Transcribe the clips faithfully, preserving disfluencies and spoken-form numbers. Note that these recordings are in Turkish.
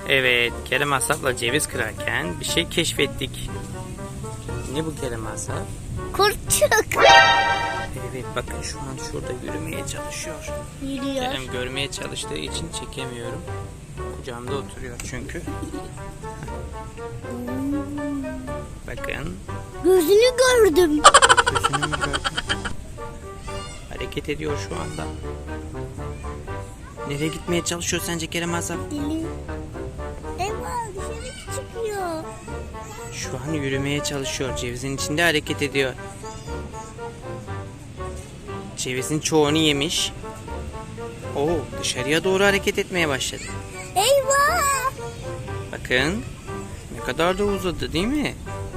Evet, Kerem Asaf'la ceviz kırarken bir şey keşfettik. Ne bu Kerem Asaf? Kurtçuk. Evet, bakın şu an şurada yürümeye çalışıyor. Yürüyor. Kerem görmeye çalıştığı için çekemiyorum. Kucağımda oturuyor çünkü. Bakın. Gözünü gördüm. Gözünü mü gördün? Hareket ediyor şu anda. Nereye gitmeye çalışıyor sence Kerem Asaf? Dili. Eyvah, dışarı çıkıyor. Şu an yürümeye çalışıyor. Cevizin içinde hareket ediyor. Cevizin çoğunu yemiş. Oo, dışarıya doğru hareket etmeye başladı. Eyvah. Bakın. Ne kadar da uzadı değil mi?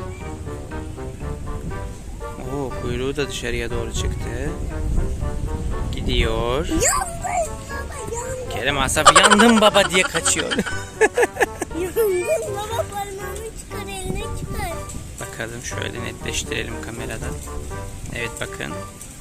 Oo, kuyruğu da dışarıya doğru çıktı. Gidiyor. Yandım baba, yandım. Kerem Asaf yandım baba diye kaçıyor. Yandım baba, parmağını çıkar, eline çıkar. Bakalım şöyle netleştirelim kameradan. Evet bakın.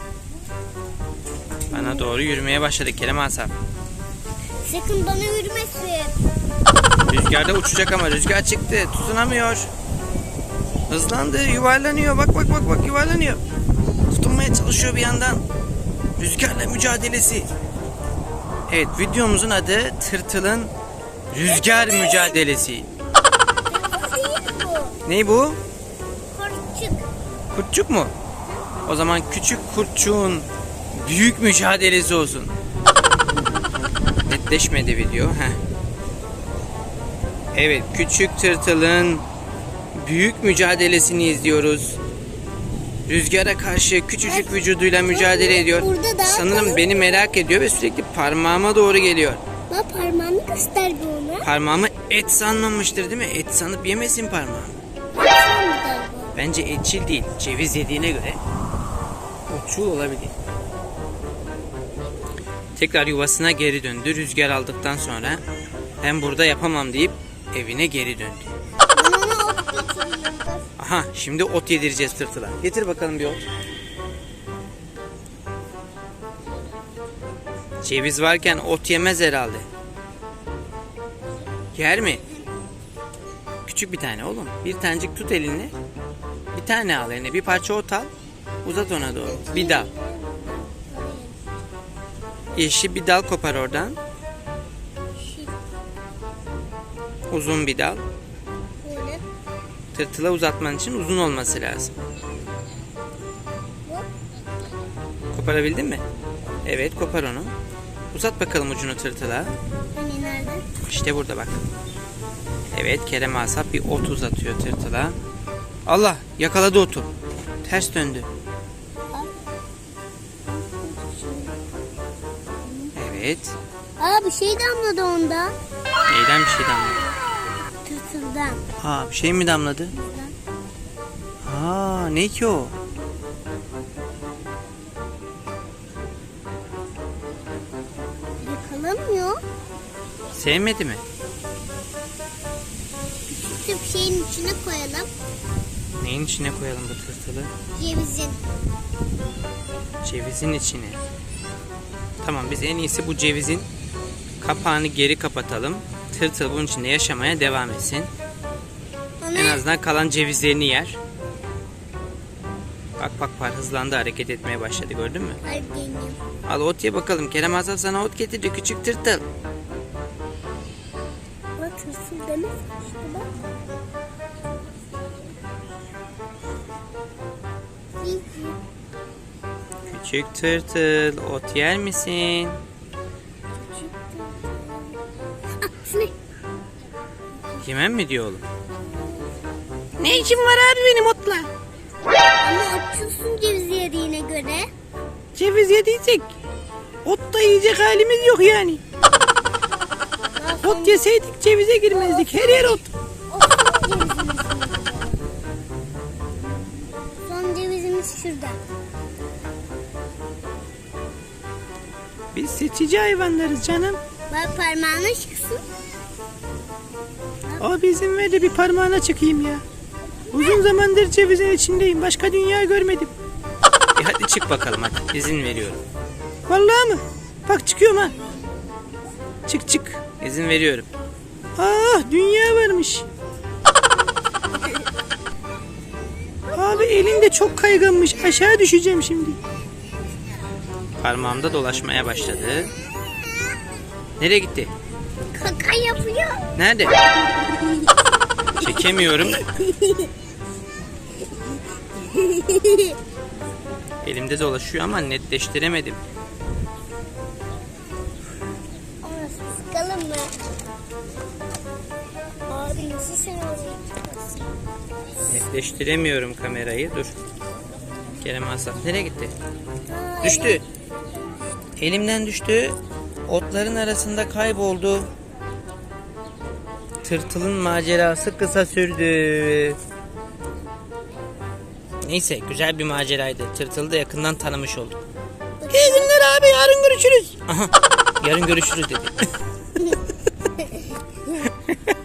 Bana doğru yürümeye başladı Kerem Asaf. Sakın bana yürümesin. Rüzgarda uçacak ama rüzgar çıktı. Tutunamıyor. Hızlandı, yuvarlanıyor. Bak bak bak bak yuvarlanıyor. Tutunmaya çalışıyor bir yandan. Rüzgarla mücadelesi. Evet, videomuzun adı Tırtılın Rüzgar Mücadelesi. Bu değil bu. Ne bu? Kurtçuk. Kurtçuk mu? O zaman küçük kurtçuğun büyük mücadelesi olsun. Netleşmedi video. Heh. Evet, küçük tırtılın büyük mücadelesini izliyoruz. Rüzgara karşı küçücük vücuduyla mücadele ediyor. Burada daha Sanırım kalın. beni merak ediyor ve sürekli parmağıma doğru geliyor. Bak, parmağını göster bir ona. Parmağımı et sanmamıştır değil mi? Et sanıp yemesin parmağımı. Sen mi galiba? Bence etçil değil. Ceviz yediğine göre otçul olabilir. Tekrar yuvasına geri döndü. Rüzgar aldıktan sonra ben burada yapamam deyip evine geri döndü. Ben ona ot geçiyorum. Aha, şimdi ot yedireceğiz tırtıla. Getir bakalım bir ot. Ceviz varken ot yemez herhalde. Yer mi? Küçük bir tane oğlum. Bir tanecik tut elini. Bir tane al eline. Bir parça ot al. Uzat ona doğru. Bir dal. Yeşil bir dal kopar oradan. Uzun bir dal. Böyle. Tırtıla uzatman için uzun olması lazım. Koparabildin mi? Evet, kopar onu. Uzat bakalım ucunu tırtıla. Hani nerede? İşte burada bak. Evet, Kerem Asaf bir ot uzatıyor tırtıla. Allah, yakaladı otu. Ters döndü. Evet. Aa, bir şey damladı onda. Neyden bir şey damladı? Tırtıldan. Ha, bir şey mi damladı? Aa, ne ki o? Yakalamıyor. Sevmedi mi? Küçük bir şeyin içine koyalım. Neyin içine koyalım bu tırtılı? Cevizin. Cevizin içine. Tamam, biz en iyisi bu cevizin kapağını geri kapatalım. Tırtıl bunun içinde yaşamaya devam etsin. Ona En azından kalan cevizlerini yer. Bak bak var, hızlandı, hareket etmeye başladı, gördün mü? kalp deneyim. Al ot ye bakalım. Kerem Asaf sana ot getirdi küçük tırtıl. Bak, tırtıl demek işte bak. İyi. Küçük tırtıl, ot yer misin? Ah, şu ne? Yemem mi diyor oğlum? Ne işin var abi benim otla? Ama açıyorsun cevizi yediğine göre. Ceviz yediysek ot da yiyecek halimiz yok yani. Daha son- Ot yeseydik cevize girmezdik. Her yer ot. O son cevizimiz. Son cevizimiz şurada. Biz seçici hayvanlarız canım. Bak, parmağına çıksın. O bizim ver de bir parmağına çıkayım ya. Uzun zamandır cevizin içindeyim. Başka dünya görmedim. E hadi çık bakalım hadi. İzin veriyorum. Vallahi mı? Bak çıkıyorum ha. Çık çık. İzin veriyorum. Ah, dünya varmış. Abi elin de çok kayganmış. Aşağı düşeceğim şimdi. Parmağımda dolaşmaya başladı. Nereye gitti? Kaka yapıyor. Nerede? Çekemiyorum. Elimde dolaşıyor ama netleştiremedim. Ama sıkalım mı? Abi nasıl sen oraya çıkarsın? Netleştiremiyorum kamerayı. Dur. Kerem Asaf nereye gitti? Düştü. Elimden düştü. Otların arasında kayboldu. Tırtılın macerası kısa sürdü. Neyse, güzel bir maceraydı. Tırtılı da yakından tanımış olduk. İyi günler abi, yarın görüşürüz. Aha, yarın görüşürüz dedi.